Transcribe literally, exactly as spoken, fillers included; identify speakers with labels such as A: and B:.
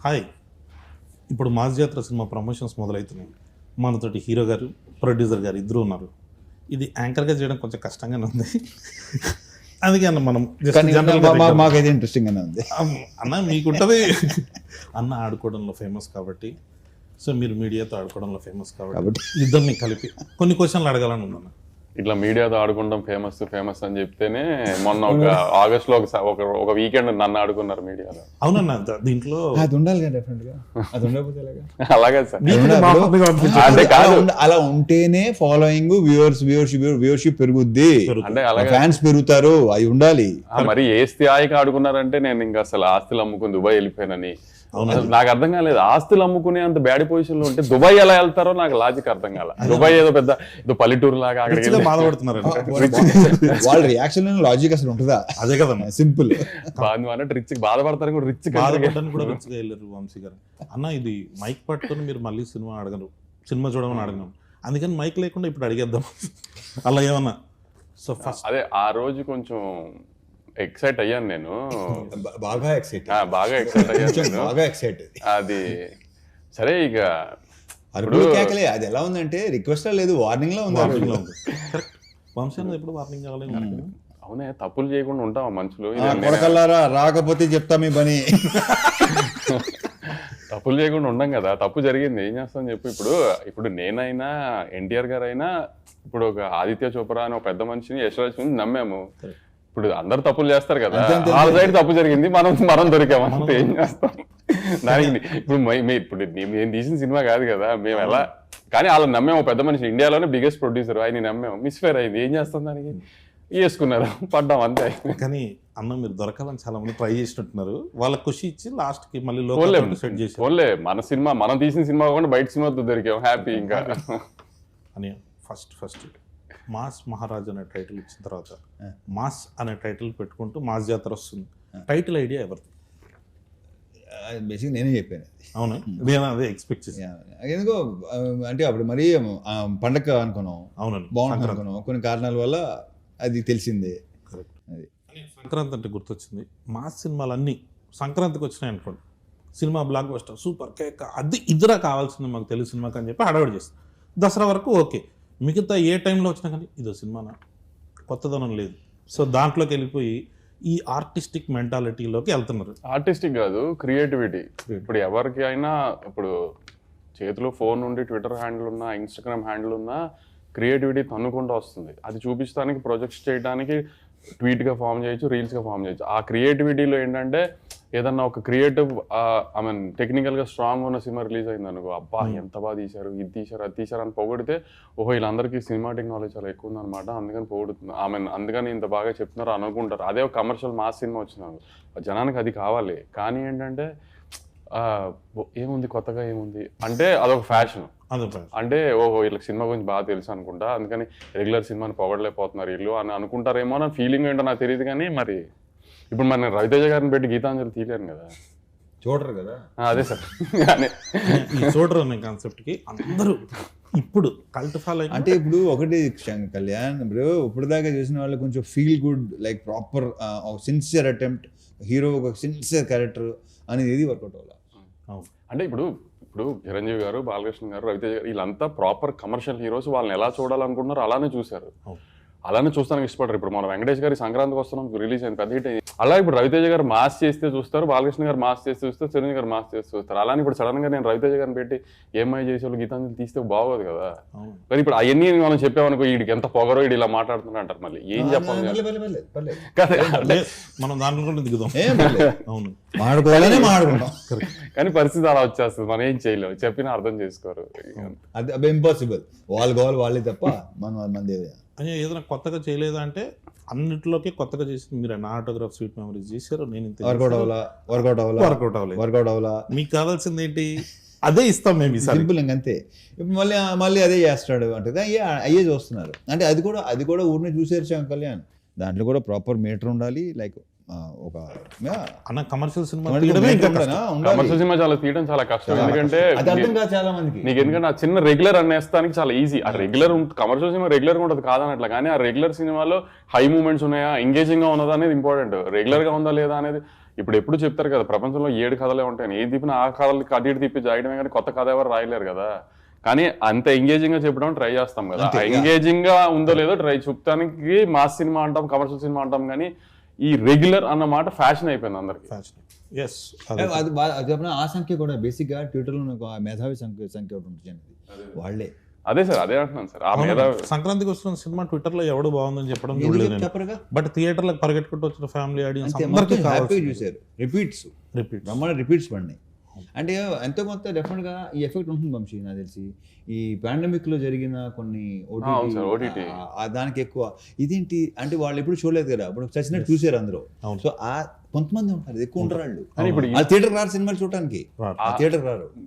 A: Hi, ఇప్పుడు mass జాతర cinema promotions మొదలవుతున్నాయి. మనతోటి హీరో గారు, ప్రొడ్యూసర్ గారు ఇద్దరు ఉన్నారు. ఇది యాంకర్గా చేయడం కొంచెం కష్టంగానే ఉంది. అందుకే అన్న మనం
B: మాకైతే ఇంట్రెస్టింగ్ గానే ఉంది
A: అన్న. మీకుంటుంది అన్న ఆడుకోవడంలో ఫేమస్ కాబట్టి, సో మీరు మీడియాతో ఆడుకోవడంలో ఫేమస్ కాబట్టి ఇద్దరిని కలిపి కొన్ని క్వశ్చన్లు అడగాలని ఉందన్న.
C: ఇట్లా మీడియాతో ఆడుకుంటాం ఫేమస్ ఫేమస్ అని చెప్తేనే మొన్న ఒక ఆగస్ట్ లో ఒక ఒక వీకెండ్ నన్ను ఆడుకున్నారు మీడియాలో.
A: అవునన్న, దీంట్లో
B: అది ఉండాలి కదా డెఫినెట్ గా. అది ఉండకపోతే
C: అలాగే సార్,
B: అంటే అలా ఉంటేనే ఫాలోయింగ్, వ్యూవర్స్ వ్యూవర్షిప్ వ్యూవర్షిప్ పెరుగుద్ది,
C: అంటే అలాగే
B: ఫ్యాన్స్ పెరుగుతారు, అవి ఉండాలి.
C: మరి ఏ స్థాయికి ఆడుకున్నారంటే నేను ఇంకా అసలు ఆస్తులు అమ్ముకుని దుబాయ్ వెళ్ళిపోయానని. నాకు అర్థం కాలేదు, ఆస్తులు అమ్ముకునే అంత బ్యాడ్ పొజిషన్ లో ఉంటే దుబాయ్ ఎలా వెళ్తారో నాకు లాజిక్ అర్థం కాల. దుబాయ్ ఏదో పెద్ద ఏదో పల్లెటూరు లాగా అక్కడికి
A: బాధపడుతున్నారు.
B: వాళ్ళ రియాక్షన్ లాజిక్ అసలు ఉంటుందా?
A: అదే కదా
B: సింపుల్.
C: బాధ రిచ్ బాధపడతారు కూడా, రిచ్
A: బాధపడడానికి కూడా రిచ్ గా వెళ్ళారు వంశీ గారు. అన్న ఇది మైక్ పట్టుకొని మీరు మళ్ళీ సినిమా అడగరు, సినిమా చూడమని అడగను, అందుకని మైక్ లేకుండా ఇప్పుడు అడిగేద్దాం అలా ఏమన్నా. సో ఫస్ట్
C: అదే ఆ రోజు కొంచెం ఎక్సైట్ అయ్యాను నేను,
B: బాగా ఎక్సైట్
C: బాగా ఎక్సైట్ అయ్యాను
B: బాగా ఎక్సైట్.
C: అది సరే, ఇక
B: అరుపులు కేకలే. అది ఎలా ఉందంటే రిక్వెస్ట్ లేదు, వార్నింగ్ లో ఉంది.
A: వంశీ అన్నది ఎప్పుడు వార్నింగ్ కావాలి.
C: అవునే, తప్పులు చేయకుండా ఉంటావా మనుషులు?
B: కొడకల్లారా, రాకపోతే చెప్తా మీ పని.
C: తప్పులు చేయకుండా ఉండం కదా, తప్పు జరిగింది ఏం చేస్తాం చెప్పు. ఇప్పుడు ఇప్పుడు నేనైనా ఎన్టీఆర్ గారు అయినా ఇప్పుడు ఒక ఆదిత్య చోప్రా అని ఒక పెద్ద మనిషిని, యశ్వరాజ్ నమ్మాము. ఇప్పుడు అందరు తప్పులు చేస్తారు కదా, వాళ్ళ సైడ్ తప్పు జరిగింది, మనం మనం దొరికామంటే ఏం చేస్తాం దానికి. ఇప్పుడు ఇప్పుడు నేను తీసిన సినిమా కాదు కదా, మేము ఎలా కానీ వాళ్ళని నమ్మాము. పెద్ద మనిషి, ఇండియాలోనే బిగ్గెస్ట్ ప్రొడ్యూసర్, ఆయన నమ్మాము. మిస్ఫేర్ అయింది, ఏం చేస్తాం దానికి, వేసుకున్నారు, పడ్డాం అంతే.
A: కానీ అన్న మీరు దొరకాలని చాలా మంది ట్రై చేసినట్టున్నారు, వాళ్ళ ఖుషి ఇచ్చి లాస్ట్ కి మళ్ళీ లోకల్ సెట్ చేసి
C: ఓన్లే మన సినిమా, మనం తీసిన సినిమా కాకుండా బయట సినిమాతో దొరికాం, హ్యాపీ. ఇంకా
A: అని ఫస్ట్ ఫస్ట్ మాస్ మహారాజ్ అనే టైటిల్ ఇచ్చిన తర్వాత మాస్ అనే టైటిల్ పెట్టుకుంటూ మాస్ జాతర వస్తుంది. టైటిల్ ఐడియా ఎవరిది?
B: బేసిక్ నేనే చెప్పాను.
A: అవునా, నేను అదే ఎక్స్పెక్ట్ చేసాను.
B: ఎందుకో అంటే అప్పుడు మరీ పండగ అనుకున్నాం, అవునండి బాగుంటుంది అనుకున్నాం, కొన్ని కారణాల వల్ల అది తెలిసిందే.
A: అది సంక్రాంతి అంటే గుర్తొచ్చింది. మాస్ సినిమాలన్నీ సంక్రాంతికి వచ్చినాయి అనుకోండి, సినిమా బ్లాక్ బస్టర్ సూపర్ కేక్, అది ఇద్దరా కావాల్సింది మాకు తెలుగు సినిమాకి అని చెప్పి హడావిడి చేస్తాం. దసరా వరకు ఓకే, మిగతా ఏ టైంలో వచ్చినా కానీ ఇదో సినిమానా, కొత్తదనం లేదు. సో దాంట్లోకి వెళ్ళిపోయి ఈ ఆర్టిస్టిక్ మెంటాలిటీలోకి వెళ్తున్నారు.
C: ఆర్టిస్టిక్ కాదు, క్రియేటివిటీ. ఇప్పుడు ఎవరికి అయినా ఇప్పుడు చేతిలో ఫోన్ ఉండి ట్విట్టర్ హ్యాండిల్ ఉన్నా, ఇన్స్టాగ్రామ్ హ్యాండిల్ ఉన్నా, క్రియేటివిటీ తన్నుకుంటూ వస్తుంది. అది చూపించడానికి, ప్రొజెక్ట్స్ చేయడానికి ట్వీట్గా ఫామ్ చేయొచ్చు, రీల్స్గా ఫామ్ చేయొచ్చు. ఆ క్రియేటివిటీలో ఏంటంటే ఏదన్నా ఒక క్రియేటివ్ ఐ మీన్ టెక్నికల్గా స్ట్రాంగ్ ఉన్న సినిమా రిలీజ్ అయింది అనుకో, అబ్బా ఎంత బాగా తీశారు, ఇది తీశారు, అది తీశారు అని పొగిడితే, ఓహో వీళ్ళందరికీ సినిమాటిక్ నాలెడ్జ్ చాలా ఎక్కువ ఉందన్నమాట, అందుకని పొగుడుతుంది, ఐ మీన్ అందుకని ఇంత బాగా చెప్తున్నారు అనుకుంటారు. అదే ఒక కమర్షియల్ మాస్ సినిమా వచ్చినారు, జనానికి అది కావాలి. కానీ ఏంటంటే ఏముంది కొత్తగా, ఏముంది అంటే అదొక ఫ్యాషన్. అంటే ఓహో వీళ్ళకి సినిమా గురించి బాగా తెలుసు అనుకుంటా, అందుకని రెగ్యులర్ సినిమాని పొగడలేకపోతున్నారు వీళ్ళు అని అనుకుంటారేమో నా ఫీలింగ్ ఏంటో నాకు తెలియదు. కానీ మరి ఇప్పుడు మన రవితేజ గారిని పెట్టి గీతాంజలి తీయలేను కదా,
B: చూడరు కదా.
C: అదే సార్,
A: చూడరు అనే కాన్సెప్ట్కి అందరూ ఇప్పుడు కల్ట్ ఫాలో.
B: అంటే ఇప్పుడు ఒకటి కళ్యాణ్, ఇప్పుడు ఇప్పుడు దాకా చూసిన వాళ్ళు కొంచెం feel good, like proper sincere attempt, hero ఒక సిన్సియర్ క్యారెక్టర్ అనేది ఏది వర్కౌట్ అవ్వాలి.
C: అంటే ఇప్పుడు ఇప్పుడు చిరంజీవి గారు, బాలకృష్ణ గారు, రవితేజ గారు వీళ్ళంతా ప్రాపర్ కమర్షియల్ హీరోస్, వాళ్ళని ఎలా చూడాలనుకుంటున్నారు అలానే చూశారు, అలానే చూస్తానికి ఇష్టపడరు. ఇప్పుడు మన వెంకటేష్ గారి సంక్రాంతికి వస్తున్నాం రిలీజ్ అయింది, పెద్ద హిట్ అయింది. అలా ఇప్పుడు రవితేజ గారు మాస్ చేస్తే చూస్తారు, బాలకృష్ణ గారు మాస్ చేస్తే చూస్తారు, చిరంజీవి గారు మాస్ చేస్తే చూస్తారు. అలానే ఇప్పుడు సడన్ గా నేను రవితేజ గారిని పెట్టి ఏమై చేసేవాళ్ళు గీతాంజలి తీస్తే బాగోదు కదా. కానీ ఇప్పుడు అవన్నీ మనం చెప్పామనుకో, వీడికి ఎంత పొగరో, వీడు ఇలా మాట్లాడుతున్నా అంటారు, మళ్ళీ ఏం చెప్పాలి
A: మనం దాంట్లో దిగుదాం. అవును,
C: కానీ పరిస్థితి అలా వచ్చేస్తుంది, మనం ఏం చేయలేము, చెప్పినా అర్థం చేసుకోరు.
B: అది ఇంపాసిబుల్, వాళ్ళు కావాలి వాళ్ళే తప్ప మనం మంది
A: అని ఏదైనా కొత్తగా చేయలేదా అంటే అన్నింటిలోకి కొత్తగా చేసింది మీరు. నా ఆటోగ్రాఫ్ స్వీట్ మెమరీస్ చేశారు, నేను
B: వర్కౌట్ అవ్వాలా వర్కౌట్ అవ్వాలా
A: వర్కౌట్ అవ్వలేదు
B: వర్కౌట్ అవ్వాలా
A: మీకు కావాల్సింది ఏంటి, అదే ఇస్తాం మేము.
B: సింపుల్ ఇంకంతే. ఇప్పుడు మళ్ళీ మళ్ళీ అదే చేస్తాడు అంటే అయ్యే అయ్యే చూస్తున్నారు. అంటే అది కూడా అది కూడా ఊరిని చూసేసాం కళ్యాణ్, దాంట్లో కూడా ప్రాపర్ మీటర్ ఉండాలి. లైక్ ఒక
A: అన్న కమర్షియల్ సినిమా
C: కమర్షియల్ సినిమా చాలా తీయడం చాలా కష్టం, ఎందుకంటే
B: చాలా మందికి
C: నీకు ఎందుకంటే ఆ చిన్న రెగ్యులర్ అనేస్తానికి చాలా ఈజీ. ఆ రెగ్యులర్ కమర్షియల్ సినిమా రెగ్యులర్ గా ఉంటుంది కాదనట్లా, కానీ ఆ రెగ్యులర్ సినిమాలో హై మూమెంట్స్ ఉన్నాయా, ఎంగేజింగ్ గా ఉన్నదా అనేది ఇంపార్టెంట్. రెగ్యులర్ గా ఉందా లేదా అనేది ఇప్పుడు ఎప్పుడు చెప్తారు కదా ప్రపంచంలో ఏడు కథలే ఉంటాయని, ఏ తిప్పిన ఆ కథలకి అటు ఇటు తిప్పి జాయడమే కానీ కొత్త కథ ఎవరు రాయలేరు కదా. కానీ అంత ఎంగేజింగ్ గా చెప్పడం ట్రై చేస్తాం కదా, ఎంగేజింగ్ గా ఉందో లేదో ట్రై చూపడానికి మాస్ సినిమా అంటాం, కమర్షియల్ సినిమా అంటాం, కానీ ఈ రెగ్యులర్ అన్న మాట ఫ్యాషన్ అయిపోయింది అందరికి.
A: ఎస్
B: అది బా- అది చెప్పిన ఆ సంఖ్య కూడా బేసిక్ గా ట్విట్టర్ లో నాకు ఆ మేధావి సంఖ్య సంఖ్య ఒకటి ఉంటుంది వాళ్ళే.
C: అదే సార్ అదే అంటున్నాను సార్. ఆ మీద
A: సంక్రాంతికి వస్తున్న సినిమా ట్విట్టర్ లో ఎవడు బాగుందని చెప్పడం
B: ఎందుకు
A: చూడలేదు నేను.
B: చెప్పరుగా
A: బట్ థియేటర్లకు పరిగెట్టుకుంటూ వచ్చిన ఫ్యామిలీ ఆడియన్స్
B: అంతే,
A: అందరికీ
B: మొత్తం హ్యాపీగా
A: కావాలి
B: చూశారు. Repeats
A: repeat.
B: బ్రహ్మాండ రిపీట్స్ పడినాయి. అంటే ఎంతో కొంత డెఫినెట్గా ఈ ఎఫెక్ట్ ఉంటుంది వంశీ నాకు తెలిసి. ఈ పాండమిక్ లో జరిగిన కొన్ని
C: అవును sir,
B: OTT
C: O T T.
B: దానికి ఎక్కువ ఇదేంటి అంటే వాళ్ళు ఎప్పుడు చూడలేదు కదా, ఇప్పుడు చచ్చినట్టు చూసారు అందరూ.
A: అవును.
B: సో ఆ కొంతమంది ఉంటారు, ఎక్కువ ఉంటారు వాళ్ళు.
C: కానీ ఇప్పుడు
B: ఆ థియేటర్ రారు సినిమాలు చూడటానికి,
A: రారు.
B: ఆ థియేటర్ రారు.